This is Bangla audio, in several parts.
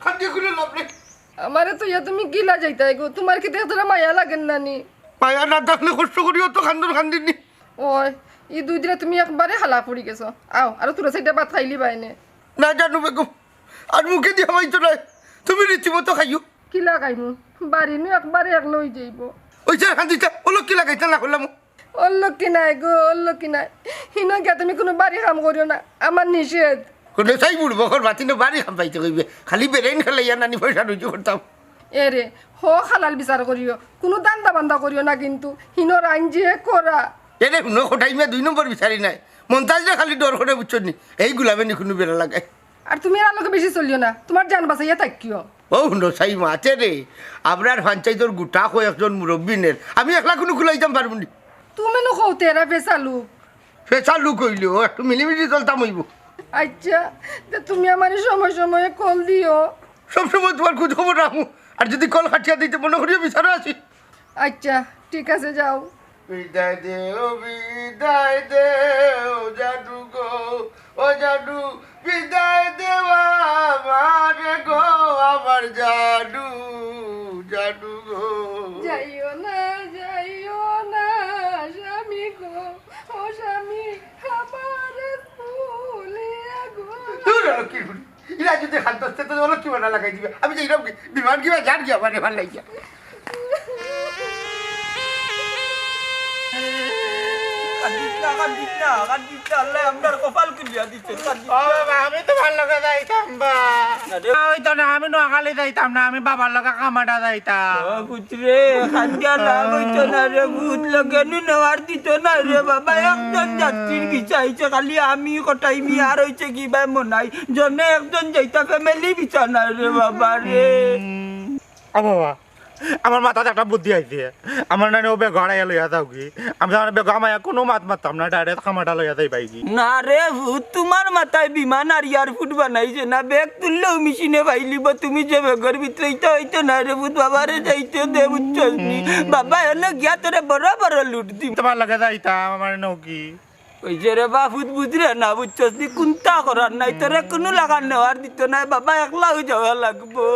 খান্দি খুলে লাভ নেই। আমারে তো ইয়া তুমি গিলা যাইতাই গো, তোমার কি দেখতে মায়া লাগেন না নি? মায়া না থাকলে কষ্ট করিও তো খান্দন খান্দিনি। ওই এই 2 দিনে তুমি একবারে হালা পড়ি গেছো। আও আর তোরা সাইডে ভাত খাইলি বাইনে। না জানো বেগম, আর মুখে দিয়ে হয়তো নাই, তুমি রীতিমতো খাইও। কি লাগাইমু বাড়ি নু একবারে এক লই যাইব। ওই যে খান্দিটা ওলো কি লাগাইতে না করলাম। অল্লকি নাই গো, অল্লকি নাই। হিনা গিয়া তুমি কোনো বাড়ি কাম করিও না, আমার নিষেধ। কোনো চাই বুড়বো ঘর বাতি না বাড়ি খাম পাইতে কইবে, খালি বেরেন খেলাইয়া নানি পয়সা রুজু করতাম। এরে হো হালাল বিচার করিও, কোনো দান্দা বান্দা করিও না কিন্তু। হিনোর আইন যে করা এরে শুনো খোটাইমে 2 নম্বর বিচারি নাই, মন্তাজরে খালি ডর করে বুঝছো নি, এই গুলাবে নি কোনো বেড়া লাগাই। আর তুমি আর আলোকে বেশি চলিও না, তোমার জান বাঁচাইয়া থাকিও। ও শুনো চাই মাতে রে, আপনার পঞ্চায়েতর গোটা কয়েকজন মুরব্বীনের আমি একলা কোনো খুলাইতাম পারবো নি। তুমি নো কৌতে এরা পেশা লোক। পেশা লুক হইলেও একটু মিলিমিলি চলতাম হইব। আচ্ছা তা তুমি আমার সময় সময়ে কল দিও। সবসময় তোমার খোঁজ খবর রাখবো, আর যদি কল খাটিয়া দিতে মনে করিও বিচারে আছি। আচ্ছা ঠিক আছে যাও। বিদায় দে ও জাদু গো, ও জাদু বিদায় দেওয়া আমার গো, আমার জাদু জাদু গো। যাইও না স্বামী গো, ও স্বামী আমার ফুলিয়া গো। দূর হলো কি শুনি, এরা যদি হাত ধরতে তো হলো কি বানা লাগাই দিবে, আমি যে এরকম বিমান কিবা যার গিয়া মানে ভাল লাগিয়া। আমি তো ভাল লগা যাইতাম আমি নোয়াখালী যাইতাম না, আমি বাবার লগা কামাটা যাইতাম। পুত্রে খাদ্যা লাভ হইতো না রে, ভূত লগেনু নেওয়ার দিত না রে বাবা। একজন যাত্রীর বিচাইছে খালি আমি কটাইমি, আর হইছে কি ভাই মনাই জনে একজন যাইতা ফ্যামিলি বিচা না রে বাবা রে। বাবা আমার মাথাতে একটা বুদ্ধি আইছে, আমার নানি ও বেগ হারাইয়া লইয়া যাও কি, আমি আমার বেগ আমায় কোনো মাত মারতাম না, ডাইরেক্ট খামাটা লইয়া যাই পাইকি। না রে ভূত, তোমার মাথায় বিমান আর এয়ারফুট বানাইছে না, ব্যাগ তুললেও মেশিনে পাইলিব। তুমি যে বেগের ভিতরে হইতো না রে ভূত, বাবারে যাইতে দে বুঝছস নি। বাবা এনে গিয়া তোরে বড় বড় লুট দিম। তোমার লাগে যাইতাম আমার নৌকি ওই যে রে বাপুত বুঝরে না বুঝছস নি, কোনটা করার নাই, তোরে কোনো লাগান নেওয়ার দিত না, বাবা একলা হয়ে যাওয়া লাগবো।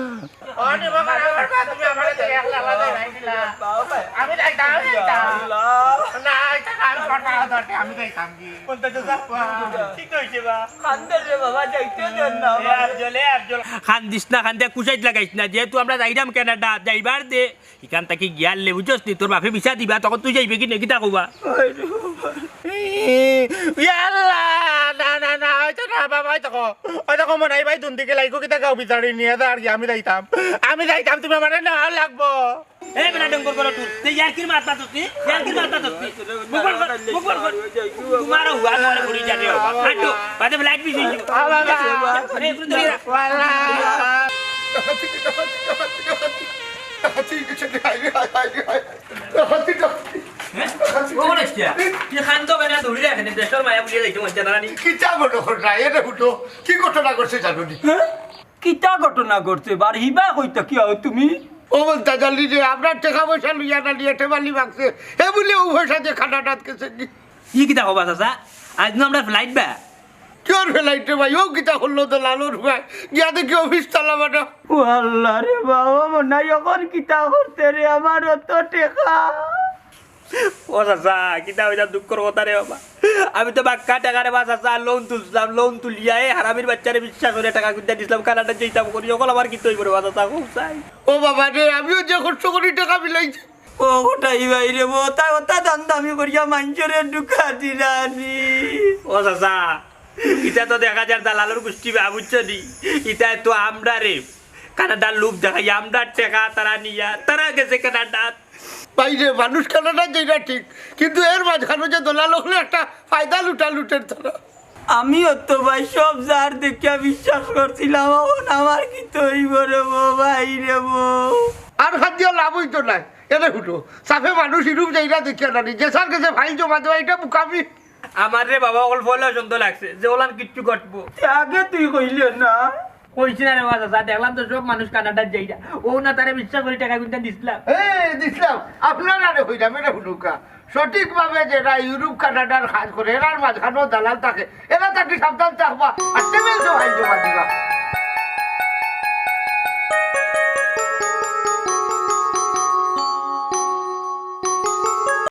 খান্দিস না, খান্দে কুচাইত লাগাইস না, যেহেতু আমরা যাইলাম কেনাডা যাইবার দে, এখান থেকে গিয়ার লে বুঝছস নি, তোর বাপে বিচা দিবা, তখন তুই যাইবি কি নেকিটা কবা। মনে ভাই দুন দিকে লাইকো কিতা গাও বিচারি নিয়ে আর কি আমি যাইতাম তুমি আমার না লাগবো। এই বেটা ডঙ্গর করো তুই, তুই ইয়ারকির মারতা তুই, ইয়ারকির মারতা তুই, মুখবর কর, তোমার হুয়া করে পড়ি যাবে হাঁটো, বাদে লাইট বিজি এই পুরো দিরা কি খান্ত বেনা দৌড়িলে এখানে দেশের মায়া বুলিয়ে যাইতে মন জানা নি। কি চা মনে কর না, এটা ফুটো কি ঘটনা করছে জানো নি? কিতা ঘটনা করছে বার হিবা কইতা কি হও তুমি? ও বলতে জানলি যে আপনার টাকা পয়সা লইয়া না নিয়ে টেবালি মাগছে, এ বলে ও পয়সা দিয়ে খানা ডাকছে কি কি কিতা কবা চাচা, আজ না আমরা ফ্লাইট বা কেউ ফেলাইতে ভাই, ও কিতা করলো তো লালুর ভাই গিয়া দেখি অফিস চালাবাটা। ও আল্লাহ রে বাবা, মনে এখন কিতা করতে রে আমার অত টেকা। ও চাচা কিতা হইতা দুঃখর কথা রে বাবা, আমি তো বাক্কা টাকা রে বা চাচা লোন তুলছিলাম, লোন তুলিয়া এই হারামির বাচ্চারে বিশ্বাস করে টাকা কিনতে দিছিলাম, কানাডা যেতাম করি সকল আমার কি তৈরি করে বা চাচা খুব চাই। ও বাবা রে, আমিও যে খরচ করি টাকা মিলাইছি। ও ওটাই বাইরে ওটা ওটা দাম দামি করিয়া মানুষের ঢুকা দিলানি। ও চাচা ইটা তো দেখা যায় দালালের গোষ্ঠী বা বুঝছো নি, ইটা তো আমরা রে কানাডার লোক দেখাই, আমরা টাকা তারা নিয়া তারা গেছে কানাডা। বাইরে মানুষ কানাডা যেটা ঠিক, কিন্তু এর মাঝখানে যে দোলা লোকলে একটা ফায়দা লুটের তারা। আমিও তো ভাই সব যার দেখিয়া বিশ্বাস করছিলাম, এখন আমার কি তৈব রে ভাই রে আর খাদ্য লাভ হইতো না। এটা ফুটো সাফে মানুষ ইরূপ যাইরা দেখিয়া না, যে স্যার কাছে ফাইল জমা দেওয়া এটা মুখামি। আমার রে বাবা অল্প হলেও সুন্দর লাগছে যে ওলান কিচ্ছু ঘটবো, আগে তুই কইলে না। কইছি না রে বাবা, দেখলাম তো সব মানুষ কানাডার যাইরা, ও না তারে বিশ্বাস করে টাকা কিনতে দিছিলাম। দিছিলাম আপনার আরে হইলাম, এটা ফুটুকা সঠিকভাবে যেটা ইউরোপ কানাডার কাজ করে এরার মাঝখানেও দালাল থাকে, এরা তাকে সাবধান থাকবা। আর টেবিল তো ভাই জমা